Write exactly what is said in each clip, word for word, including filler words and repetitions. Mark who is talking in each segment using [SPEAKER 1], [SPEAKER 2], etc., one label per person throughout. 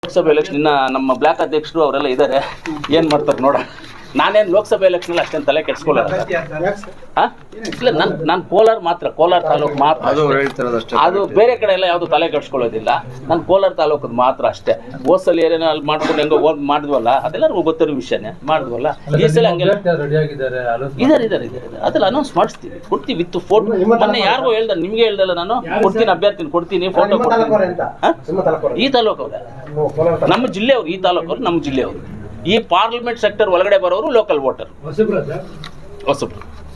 [SPEAKER 1] ಲೋಕಸಭೆ election ಇನ್ನ ನಮ್ಮ block ಅಧ್ಯಕ್ಷರು ಅವರೆಲ್ಲ ಇದ್ದಾರೆ, ಏನು ಮಾಡ್ತಾರೆ ನೋಡ. ನಾನೇನು ಲೋಕಸಭೆ ಎಲೆಕ್ಷನ್ ಅಷ್ಟೇನು ತಲೆ ಕೆಡಿಸ್ಕೊಳ್ಳಲ್ಲ. ಇಲ್ಲ, ನಾನು ನಾನು ಕೋಲಾರ ಮಾತ್ರ, ಕೋಲಾರ ತಾಲೂಕು ಮಾತ್ರ, ಅದು ಬೇರೆ ಕಡೆ ಎಲ್ಲ ಯಾವುದು ತಲೆ ಕೆಡಿಸ್ಕೊಳ್ಳೋದಿಲ್ಲ. ನಾನು ಕೋಲಾರ ತಾಲೂಕದ ಮಾತ್ರ ಅಷ್ಟೇ. ಹೋದ್ಸಲ ಏನೇನೋ ಅಲ್ಲಿ ಮಾಡ್ಕೊಂಡು ಹೆಂಗೋ ಓದ್ ಮಾಡಿದ್ವಲ್ಲ, ಅದೆಲ್ಲರಿಗೂ ಗೊತ್ತಿರೋ ವಿಷಯನೇ ಮಾಡಿದ್ವಲ್ಲ. ಈ ಸಲ ಹಂಗೆಲ್ಲ ಇದಾರೆ ಇದಾರೆ ಇದಾರೆ ಅದೆಲ್ಲ ಅನೌನ್ಸ್ ಮಾಡಿಸ್ತೀವಿ, ಕೊಡ್ತೀವಿ ವಿತ್ ಫೋಟೋ. ಮೊನ್ನೆ ಯಾರಿಗೂ ಹೇಳ್ದ, ನಿಮ್ಗೆ ಹೇಳ್ದಲ್ಲ, ನಾನು ಕೊಡ್ತೀನಿ, ಅಭ್ಯರ್ಥಿನ ಕೊಡ್ತೀನಿ, ಫೋಟೋ ಕೊಡ್ತೀನಿ. ಈ ತಾಲೂಕು ಅವ್ರೆ, ನಮ್ಮ ಜಿಲ್ಲೆಯವರು, ಈ ತಾಲೂಕವ್ರು ನಮ್ಮ ಜಿಲ್ಲೆಯವರು. ಈ ಪಾರ್ಲಿಮೆಂಟ್ ಸೆಕ್ಟರ್ ಒಳಗಡೆ ಬರೋರು ಲೋಕಲ್ ವೋಟರ್. ಹೊಸಬ್ರು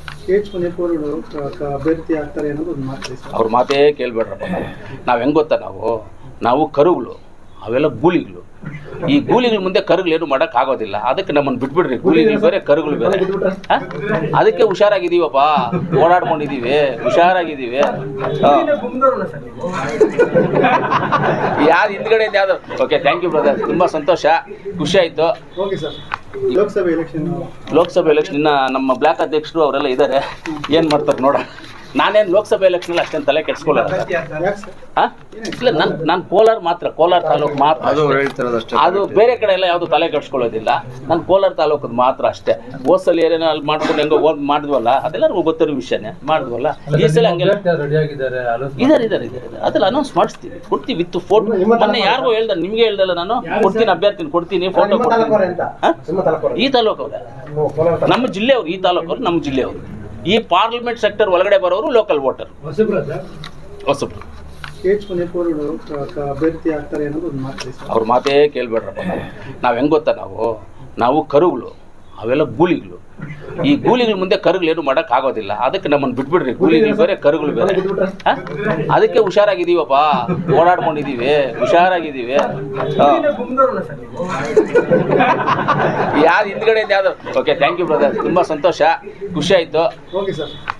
[SPEAKER 1] ಅವ್ರ ಮಾತೇ ಕೇಳ್ಬೇಡ್ರಪ್ಪ. ನಾವು ಹೆಂಗೆ ಗೊತ್ತಾ, ನಾವು ನಾವು ಕರುಗಳು, ಅವೆಲ್ಲ ಗೂಳಿಗಳು. ಈ ಗೂಳಿಗಳ ಮುಂದೆ ಕರುಗಳೇನು ಮಾಡೋಕೆ ಆಗೋದಿಲ್ಲ. ಅದಕ್ಕೆ ನಮ್ಮನ್ನು ಬಿಟ್ಬಿಡ್ರಿ. ಗೂಳಿಗಳು ಬೇರೆ, ಕರುಗಳು ಬೇರೆ. ಅದಕ್ಕೆ ಹುಷಾರಾಗಿದ್ದೀವಪ್ಪ, ಓಡಾಡ್ಕೊಂಡಿದ್ದೀವಿ, ಹುಷಾರಾಗಿದ್ದೀವಿ. ಯಾರು ಹಿಂದ್ಗಡೆ ಯಾವ್ದು. ಓಕೆ, ಥ್ಯಾಂಕ್ ಯು ಬ್ರದರ್, ತುಂಬ ಸಂತೋಷ, ಖುಷಿ ಆಯಿತು.
[SPEAKER 2] ಲೋಕಸಭೆ ಎಲೆಕ್ಷನ್
[SPEAKER 1] ಲೋಕಸಭೆ ಎಲೆಕ್ಷನ್ ಇನ್ನ ನಮ್ಮ ಬ್ಲಾಕ್ ಅಧ್ಯಕ್ಷರು ಅವರೆಲ್ಲ ಇದ್ದಾರೆ, ಏನು ಮಾಡ್ತಾರೆ ನೋಡ. ನಾನೇನು ಲೋಕಸಭೆ ಎಲೆಕ್ಷನ್ ಅಷ್ಟೇನು ತಲೆ ಕೆಡಿಸ್ಕೊಳ್ಳಲ್ಲ. ಇಲ್ಲ, ನಾನು ನಾನು ಕೋಲಾರ ಮಾತ್ರ, ಕೋಲಾರ ತಾಲೂಕು ಮಾತ್ರ, ಅದು ಬೇರೆ ಕಡೆ ಎಲ್ಲ ಯಾವುದು ತಲೆ ಕೆಡಿಸ್ಕೊಳ್ಳೋದಿಲ್ಲ. ನಾನು ಕೋಲಾರ ತಾಲೂಕದ ಮಾತ್ರ ಅಷ್ಟೇ. ಹೋದ್ಸಲ ಏನೇನೋ ಅಲ್ಲಿ ಮಾಡ್ಕೊಂಡು ಹೆಂಗೋ ಓದ್ ಮಾಡಿದ್ವಲ್ಲ, ಅದೆಲ್ಲರಿಗೂ ಗೊತ್ತಿರೋ ವಿಷಯನೇ ಮಾಡಿದ್ವಲ್ಲ. ಈ ಸಲ ಹಂಗೆಲ್ಲ ಇದಾರೆ ಇದಾರೆ ಇದಾರೆ ಅದೆಲ್ಲ ಅನೌನ್ಸ್ ಮಾಡಿಸ್ತೀವಿ, ಕೊಡ್ತೀವಿ ವಿತ್ ಫೋಟೋ. ಮೊನ್ನೆ ಯಾರಿಗೂ ಹೇಳ್ದ, ನಿಮ್ಗೆ ಹೇಳ್ದಲ್ಲ, ನಾನು ಕೊಡ್ತೀನಿ, ಅಭ್ಯರ್ಥಿನ ಕೊಡ್ತೀನಿ, ಫೋಟೋ ಕೊಡ್ತೀನಿ. ಈ ತಾಲೂಕು ಅವ್ರೆ, ನಮ್ಮ ಜಿಲ್ಲೆಯವರು, ಈ ತಾಲೂಕವ್ರು ನಮ್ಮ ಜಿಲ್ಲೆಯವರು. ಈ ಪಾರ್ಲಿಮೆಂಟ್ ಸೆಕ್ಟರ್ ಒಳಗಡೆ ಬರೋರು ಲೋಕಲ್ ವೋಟರ್. ಹೊಸಬ್ರು
[SPEAKER 2] ಅಭ್ಯರ್ಥಿ ಆಗ್ತಾರೆ ಅನ್ನೋದು ಒಂದು ಮಾತು.
[SPEAKER 1] ಅವ್ರ ಮಾತೇ ಕೇಳ್ಬೇಡ್ರಪ್ಪ. ನಾವು ಹೆಂಗೆ ಗೊತ್ತಾ, ನಾವು ನಾವು ಕರುಗಳು, ಅವೆಲ್ಲ ಗೂಳಿಗಳು. ಈ ಗೂಳಿಗಳ ಮುಂದೆ ಕರುಗಳೇನು ಮಾಡೋಕೆ ಆಗೋದಿಲ್ಲ. ಅದಕ್ಕೆ ನಮ್ಮನ್ನು ಬಿಟ್ಬಿಡ್ರಿ. ಗೂಳಿಗಳು ಬೇರೆ, ಕರುಗಳು ಬೇರೆ. ಅದಕ್ಕೆ ಹುಷಾರಾಗಿದ್ದೀವಪ್ಪ, ಓಡಾಡ್ಕೊಂಡಿದ್ದೀವಿ, ಹುಷಾರಾಗಿದ್ದೀವಿ. ಯಾರು ಹಿಂದ್ಗಡೆ ಯಾವ್ದು. ಓಕೆ, ಥ್ಯಾಂಕ್ ಯು ಬ್ರದರ್, ತುಂಬ ಸಂತೋಷ, ಖುಷಿ ಆಯಿತು.
[SPEAKER 2] Okay sir.